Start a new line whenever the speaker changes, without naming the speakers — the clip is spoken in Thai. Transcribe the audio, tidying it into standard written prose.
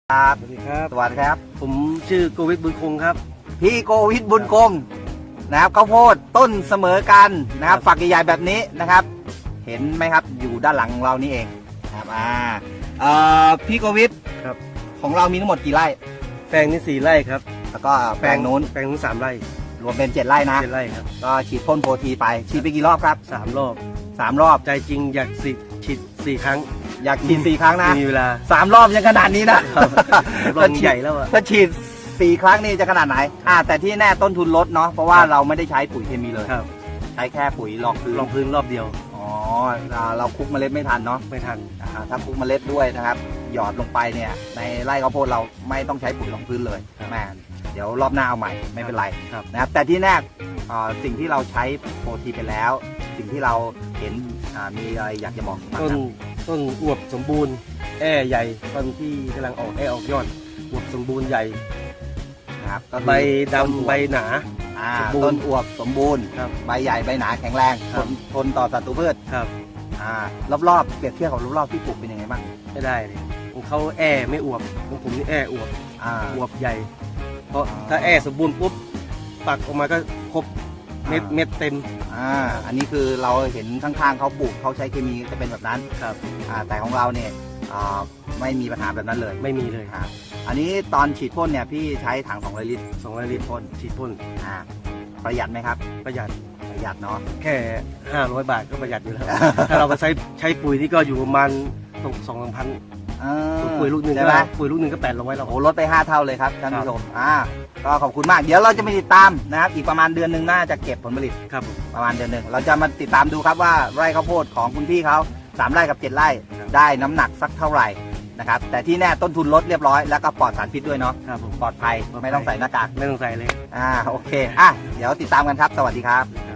ครับ
สวัสดีครับ
สวัสดีครับ
ผมชื่อโกวิทบุญคงครับ
พี่โกวิทบุญคงนะครับข้าวโพดต้นเสมอกันนะครับฝักใหญ่ๆแบบนี้นะครับ เห็นไหมครับอยู่ด้านหลังของเรานี่เองครับพี่โกวิท
ครับ
ของเรามีทั้งหมดกี่ไร่
แปลงนี้4 ไร่ครับ
แล้วก็แปลงนู้น
แปลงนู้น3 ไร่
รวมเป็น7 ไร่นะ
7 ไร่ครับ
ก็ฉีดพ่นโปรทีไปฉีดไปกี่รอบครับ
3 รอบ
3 รอบ
ใจจริงอยากฉีด4 ครั้ง
อยากฉีด4 ครั้งนะ
มีเวลา
3 รอบยังขนาดนี้นะครับ
รอบใหญ่แล้วอะ
ถ้าฉีด4 ครั้งนี่จะขนาดไหนแต่ที่แน่ต้นทุนลดเนาะเพราะว่าเราไม่ได้ใช้ปุ๋ยเคมีเลย
ครับ
ใช้แค่ปุ๋ยรองพื้น
ลองพื้นรอบเดียว
อ๋อเราคลุกเมล็ดไม่ทันเนาะ
ไม่ทัน
ถ้าคลุกเมล็ดด้วยนะครับ หยอดลงไปเนี่ยในไร่ข้าวโพดเราไม่ต้องใช้ปุ๋ยรองพื้นเลย
ครับ
แม่เดี๋ยวรอบหน้าเอาใหม่ไม่เป็นไร
ครับ
นะครับแต่ที่แน่สิ่งที่เราใช้โปรทีไปแล้ว สิ่งที่เราเห็นมีอะไรอยากจะบอกบ้าง
ต้น
ครับ
ต้นอวบสมบูรณ์แอ่ใหญ่ต้นที่กำลังออกแอ่ออกยอดอวบสมบูรณ์ใหญ่
นะครับก็คือ
ใบ
ต้นอวบ
ดำใบหนา สมบูรณ์
ต้นอวบสมบูรณ์
ครับ
ใบใหญ่ใบหนาแข็งแรง
ครับ
ทนต่อศัตรูพืช
ครับ
รอบๆเปรียบเทียบกับรอบๆที่ปลูกเป็นยังไงบ้าง
ไม่ได้เลยของเขาแอ่ไม่อวบของผมนี่แอ่อวบ อวบใหญ่ เพราะถ้าแอสมบูรณ์ปุ๊บปักออกมาก็ครบเม็ดเต็ม
อันนี้คือเราเห็นข้างๆเขาปลูกเขาใช้เคมีจะเป็นแบบนั้น
ครับ
แต่ของเราเนี่ยไม่มีปัญหาแบบนั้นเลย
ไม่มีเลย
อันนี้ตอนฉีดพ่นเนี่ยพี่ใช้ถัง200 ลิตร
200 ลิตรพ่นฉีดพ่น
ประหยัดไหมครับ
ประหยัด
ประหยัดเนาะ
แค่500 บาทก็ประหยัดอยู่แล้ว ถ้าเราไปใช้ปุ๋ยนี่ก็อยู่ประมาณตก2,000 ปุ๋ยลูกหนึ่ง
ใช่
ก็
ไหม
800แล้ว
โอ้ลดไป5 เท่าเลยครับท่านผู้ชมก็ขอบคุณมากเดี๋ยวเราจะไปติดตามนะครับอีกประมาณเดือนหนึ่งน่าจะเก็บผลผลิต
ครับผม
ประมาณเดือนหนึ่งเราจะมาติดตามดูครับว่าไร่ข้าวโพดของคุณพี่เขา3 ไร่กับ 7 ไร่
ครับ
ได้น้ำหนักสักเท่าไหร่นะครับแต่ที่แน่ต้นทุนลดเรียบร้อยแล้วก็ปลอดสารพิษด้วยเนาะ
ครับผม
ปลอดภัยไม่ต้องใส่หน้ากาก
ไม่ต้องใส่เลย
โอเคเดี๋ยวติดตามกันครับสวัสดีครับ